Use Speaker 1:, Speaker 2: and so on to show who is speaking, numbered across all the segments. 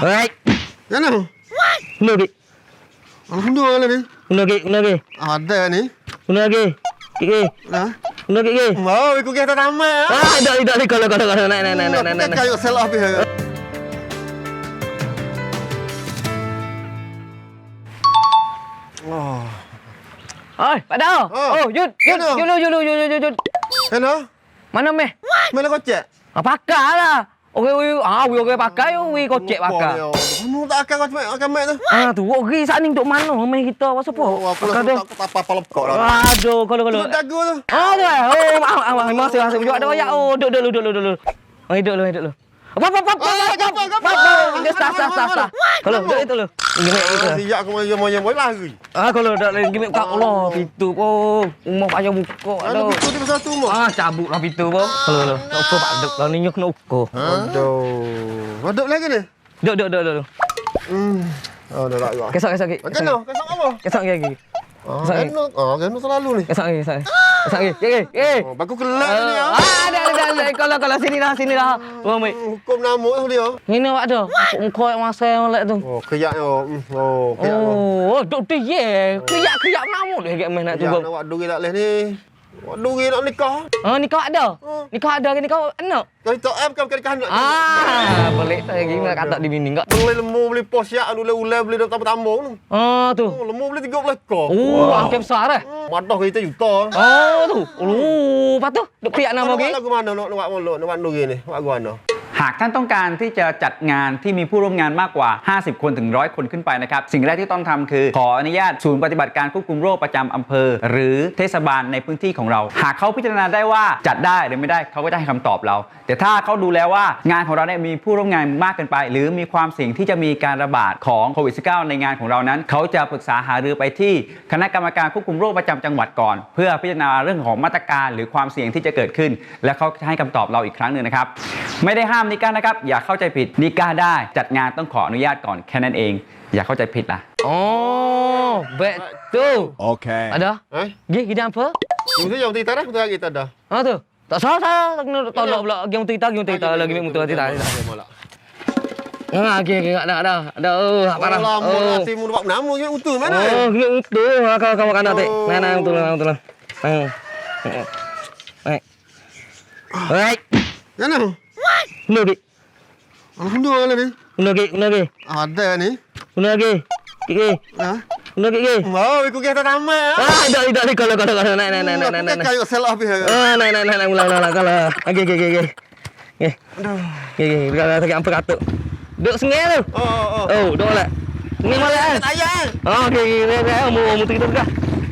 Speaker 1: Oi.
Speaker 2: Mana?
Speaker 1: Guna lagi.
Speaker 2: Alhamdulillah ni.
Speaker 1: Guna lagi.
Speaker 2: Ada ni.
Speaker 1: Guna lagi. Gigi.
Speaker 2: Ha?
Speaker 1: Guna gigi.
Speaker 2: Mau ikut kita ramai.
Speaker 1: Dah kalau naik.
Speaker 2: Kayu salah habis. Oh.
Speaker 1: Oi, Pak Dao. Oh, Jud.
Speaker 2: Kenapa?
Speaker 1: Mana meh?
Speaker 2: Mana kocek?
Speaker 1: Pakai lah. Okey pakai, kocek pakai.
Speaker 2: Kamu tak akan mek tu.
Speaker 1: Tu, okey saat ni duk mana meh kita apa siapa?
Speaker 2: Aku tak apa lepok lah.
Speaker 1: Aduh, kalau.
Speaker 2: Dagu tu.
Speaker 1: Tu. Masih juga ada banyak. Duduk dulu. Hidup lu. Apa? Start. Kalau duduk itu lu. Gimik itu.
Speaker 2: Siap aku mau lari.
Speaker 1: Kalau dak lagi gimik kat Allah, pintu pun. Rumah payah buka.
Speaker 2: Ada pintu di pasal tu mah.
Speaker 1: Cabutlah pintu pun. Kalau. Nak ukur pak duk. Kalau ni nyuk nak ukur.
Speaker 2: Aduh. Ada lagi ni?
Speaker 1: Duduk.
Speaker 2: Oh, dah tak.
Speaker 1: Kesok.
Speaker 2: Kesok apa?
Speaker 1: Kesok lagi.
Speaker 2: Kena selalu ni.
Speaker 1: Kesok lagi.
Speaker 2: Baku kelak ni ya.
Speaker 1: Ada. Kalau sini dah.
Speaker 2: Hukum namuk tu dia.
Speaker 1: Ini awak ada. Muka masa molek tu.
Speaker 2: Keyak yo.
Speaker 1: Duk tu ye. Keyak namuk dah main nak tu.
Speaker 2: Awak duit tak leh ni. Awak duit nak nikah.
Speaker 1: Nikah ada. Nikah anak.
Speaker 2: Kau tak kan kau anak.
Speaker 1: Boleh tak lagi nak kata di bini enggak.
Speaker 2: Beli lembu, beli pos yak, ulai beli tamu-tamu tu.
Speaker 1: Tu.
Speaker 2: Lembu beli 30 ekor.
Speaker 1: Angkat besar eh.
Speaker 2: Madah kita juta.
Speaker 1: Tu. Lepas tu duk keyak nama lagi.
Speaker 2: Lagu mana nak buat duit ni? Buat gua mana?
Speaker 3: หากท่านต้องการที่จะจัดงานที่มีผู้ร่วมงานมากกว่า50คนถึง100คนขึ้นไปนะครับสิ่งแรกที่ต้องทำคือขออนุญาตศูนย์ปฏิบัติการควบคุมโรคประจำอำเภอหรือเทศบาลในพื้นที่ของเราหากเขาพิจารณาได้ว่าจัดได้หรือไม่ได้เขาก็จะให้คำตอบเราแต่ถ้าเขาดูแล้วว่างานของเราเนี่ยมีผู้ร่วมงานมากเกินไปหรือมีความเสี่ยงที่จะมีการระบาดของโควิด -19 ในงานของเรานั้นเขาจะปรึกษาหารือไปที่คณะกรรมการควบคุมโรคประจำจังหวัดก่อนเพื่อพิจารณาเรื่องของมาตรการหรือความเสี่ยงที่จะเกิดขึ้นและเขาจะให้คำตอบเราอีกครั้งหนึ่งนะครับไม่ได้ห้ามนิก้านะครับอย่าเข้าใจผิดนิก้าได้จัดงานต้องขออนุญาตก่อนแค่นั้นเองอย่าเข้าใจผิดล่ะ
Speaker 1: betul.
Speaker 4: Okey.
Speaker 1: Ada? Gigi apa?
Speaker 2: Yang kita dah, betul kita dah.
Speaker 1: Tu. Tak salah. Tolak pula game cerita lagi mutu cerita. Okey, ada. Parah.
Speaker 2: Lama si mu buat nama je utuh mana?
Speaker 1: Gini utuh. Kau makan nanti. Nah, betul. Baik.
Speaker 2: Mana?
Speaker 1: Guna lagi.
Speaker 2: Alhamdulillah ni.
Speaker 1: Guna lagi.
Speaker 2: Ada ni.
Speaker 1: Guna lagi. Gigi.
Speaker 2: Ha?
Speaker 1: Guna gigi.
Speaker 2: Mau ikut kita ramai.
Speaker 1: Dah kalau naik.
Speaker 2: Kayu salah habis.
Speaker 1: Naik ulang kalau. Gigi. Gigi, kalau tak apa katuk. Duk sengih tu. Duk lah. Ni malah.
Speaker 2: Ayah.
Speaker 1: Gigi. Mu tu kita dah.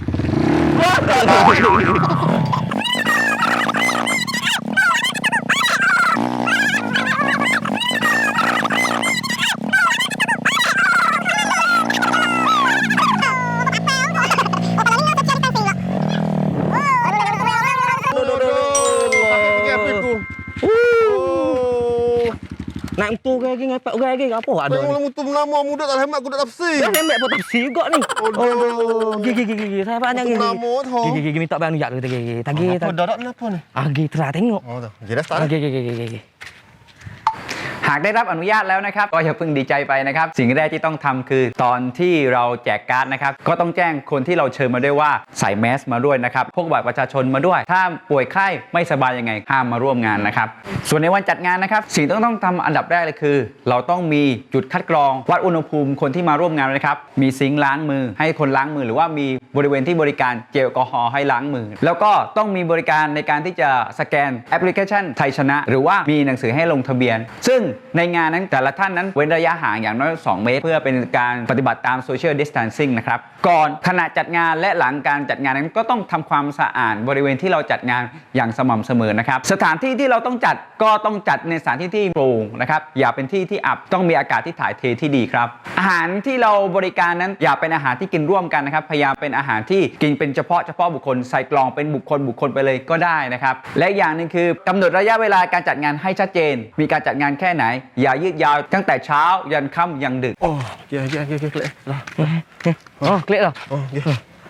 Speaker 1: Nak tu lagi ngapak lagi apa ada ni?
Speaker 2: Orang mutu lama muda tak hemat aku dak tafsir.
Speaker 1: Dah hemat pun tafsir juga ni. Gigi. Saya banyak gigi. Gigi minta bang jak gigi. Tagi.
Speaker 2: Apa dadak kenapa ni?
Speaker 1: Gigi terah tengok.
Speaker 2: Tu. Jelas tak?
Speaker 1: Gigi.
Speaker 3: หากได้รับอนุญาตแล้วนะครับก็อย่าเพิ่งดีใจไปนะครับสิ่งแรกที่ต้องทำคือตอนที่เราแจกการ์ดนะครับก็ต้องแจ้งคนที่เราเชิญมาด้วยว่าใส่แมสมาด้วยนะครับพกบัตรประชาชนมาด้วยถ้าป่วยไข้ไม่สบายยังไงห้ามมาร่วมงานนะครับส่วนในวันจัดงานนะครับสิ่งที่ต้องทำอันดับแรกเลยคือเราต้องมีจุดคัดกรองวัดอุณหภูมิคนที่มาร่วมงานนะครับมีซิงค์ล้างมือให้คนล้างมือหรือว่ามีบริเวณที่บริการเจลแอลกอฮอล์ให้ล้างมือแล้วก็ต้องมีบริการในการที่จะสแกนแอปพลิเคชันไทยชนะหรือว่ามีหนังสือให้ลงทะเบียนซึ่งในงานนั้นแต่ละท่านนั้นเว้นระยะห่างอย่างน้อย2 เมตรเพื่อเป็นการปฏิบัติตาม Social Distancing นะครับก่อนขณะจัดงานและหลังการจัดงานนั้นก็ต้องทำความสะอาดบริเวณที่เราจัดงานอย่างสม่ำเสมอนะครับสถานที่ที่เราต้องจัดก็ต้องจัดในสถานที่ที่โปร่งนะครับอย่าเป็นที่ที่อับต้องมีอากาศที่ถ่ายเทที่ดีครับอาหารที่เราบริการนั้นอย่าเป็นอาหารที่กินร่วมกันนะครับพยายามเป็นอาหารที่กินเป็นเฉพาะบุคคลใส่กล่องเป็นบุคคลไปเลยก็ได้นะครับและอย่างหนึ่งคือกำหนดระยะเวลาการจัดงานให้ชัดเจนมีการจัดงานแค่ไหนอย่ายืดยาวตั้งแต่เช้ายันค่ำยันดึก
Speaker 2: klik.
Speaker 1: Klik dah.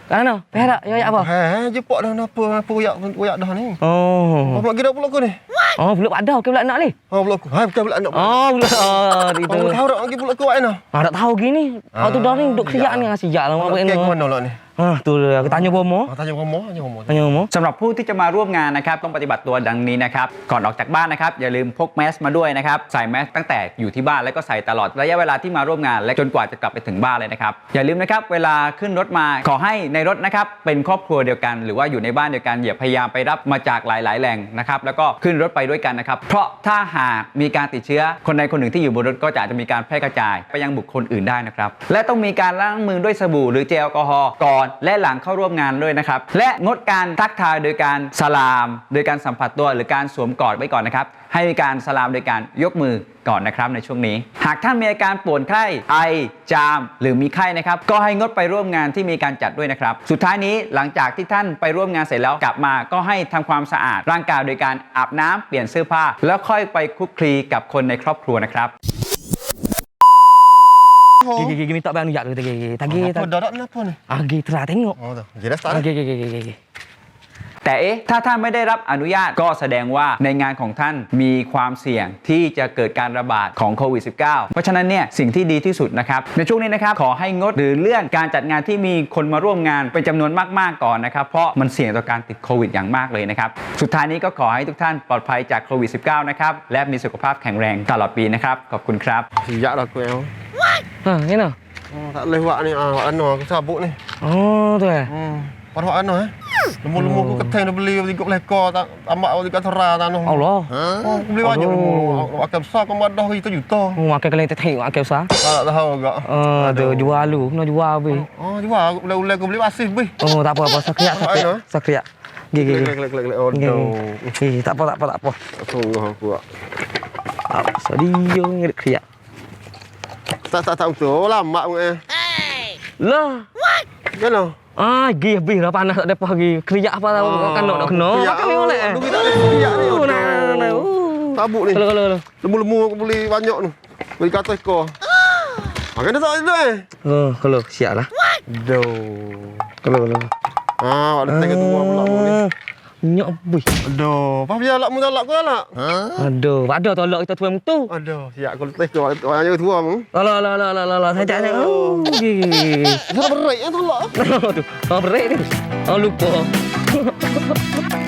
Speaker 1: Ano? Perak ya apa?
Speaker 2: Jepok dah apa puyak dah ni.
Speaker 1: Oh.
Speaker 2: Apa lagi dah pula aku ni?
Speaker 1: Oh, belum ada ke pula nak ni?
Speaker 2: Oh, pula aku. Bukan pula nak.
Speaker 1: Oh, belum. Oh, itu.
Speaker 2: Aku tahu dah lagi pula aku ni.
Speaker 1: Tak tahu gini. Kau tu dah ni duk siap ni, siap lah mak
Speaker 2: Kek
Speaker 1: ni.
Speaker 2: mana lah ni?
Speaker 1: Tu aku tanya Bomo.
Speaker 2: Tanya Romo.
Speaker 1: Tanya Bomo.
Speaker 3: สำหรับผู้ที่จะมาร่วมงานนะครับต้องปฏิบัติตัวดังนี้นะครับก่อนออกจากบ้านนะครับอย่าลืมพกแมสมาด้วยนะครับใส่แมสตั้งแต่อยู่ที่บ้านแล้วก็ใส่ตลอดระยะเวลาที่มาร่วมงานและจนกว่าจะกลับไปถึงบ้านเลยนะครับอย่าลืมนะครับเวลาขึ้นรถมาขอให้ในรถนะครับเป็นครอบครัวเดียวกันหรือว่าอยู่ในบ้านเดียวกันอย่าพยายามไปรับมาจากหลายๆแหล่งนะครับแล้วก็ขึ้นรถไปด้วยกันนะครับเพราะถ้าหากมีการติดเชื้อคนใดคนหนึ่งที่อยู่บนรถก็จะมีการแพร่กระจายไปยังบุคคลอื่นได้นะครับและต้องมีการล้างมือด้วยสบู่หรือเจลแอลกอฮอล์ก่อนและหลังเข้าร่วมงานด้วยนะครับและงดการทักทายโดยการสลามโดยการสัมผัสตัวหรือการสวมกอดไว้ก่อนนะครับให้มีการสลามโดยการยกมือก่อนนะครับในช่วงนี้หากท่านมีอาการปวดไข้ไอจามหรือมีไข้นะครับก็ให้งดไปร่วมงานที่มีการจัดด้วยนะครับสุดท้ายนี้หลังจากที่ท่านไปร่วมงานเสร็จแล้วกลับมาก็ให้ทำความสะอาดร่างกายโดยการอาบน้ำเปลี่ยนเสื้อผ้าแล้วค่อยไปคลุกคลีกับคนในครอบครัวนะครับ
Speaker 1: Gigi minta bang nujak tu gigi. Tagi.
Speaker 2: Apa dah kenapa ni?
Speaker 1: Gigi terah tengok.
Speaker 2: Oh, dah. Jadi dah start.
Speaker 1: Gigi.
Speaker 3: แต่ถ้าท่านไม่ได้รับอนุญาตก็แสดงว่าในงานของท่านมีความเสี่ยงที่จะเกิดการระบาดของโควิด -19 เพราะฉะนั้นเนี่ยสิ่งที่ดีที่สุดนะครับในช่วงนี้นะครับขอให้งดหรือเลื่อนการจัดงานที่มีคนมาร่วมงานเป็นจำนวนมากๆก่อนนะครับเพราะมันเสี่ยงต่อการติดโควิดอย่างมากเลยนะครับสุดท้ายนี้ก็ขอให้ทุกท่านปลอดภัยจากโควิด -19 นะครับและมีสุขภาพแข็งแรงตลอดปีนะครับขอบคุณครับ
Speaker 2: Siap dah aku yang.
Speaker 1: Ha, ni nah.
Speaker 2: Tak boleh buat ni. Wak Ano aku sabuk ni.
Speaker 1: Oh, tu eh.
Speaker 2: Pada Wak Ano Lembu-lembu aku keteng dah beli 3 lekor tak tambak 3 tera tanah.
Speaker 1: Allah.
Speaker 2: Oh, aku beli banyak lembu. Akan besar kau madah juta-juta.
Speaker 1: Makan kalian tengok makan besar.
Speaker 2: Tak tahu agak.
Speaker 1: Tu jual lu, nak jual habis.
Speaker 2: Oh, jual aku ulai aku beli masih bih.
Speaker 1: Oh, tak apa-apa, sakriak. Gigi.
Speaker 2: Klik. Oh, no.
Speaker 1: Tak apa.
Speaker 2: Sungguh aku.
Speaker 1: Sorry, yo ngerik kriak.
Speaker 2: Tak betul lama pun
Speaker 1: Lah.
Speaker 2: Kenapa?
Speaker 1: Gigi habis dah panas tak depa lagi. Kriak apa tahu kan nak kena. Makan ni boleh.
Speaker 2: Aduh, kita ada kriak ni.
Speaker 1: Nah.
Speaker 2: Sabuk ni.
Speaker 1: Kalau.
Speaker 2: Lembu-lembu aku beli banyak tu. Beli kat ekor. Makan dah tak ada
Speaker 1: Kalau siap lah. Kalau.
Speaker 2: Ada tengok tua pula ni.
Speaker 1: Nyok habis.
Speaker 2: Aduh, apa biar lakmu tak lak ku lak?
Speaker 1: Aduh, ada tolak kita tuan tu.
Speaker 2: Aduh, siap aku letih kau orang tua mu.
Speaker 1: Lah, saya tak ada. Gigi.
Speaker 2: Sudah berat yang tolak.
Speaker 1: Tu. Berat ni. Lupa.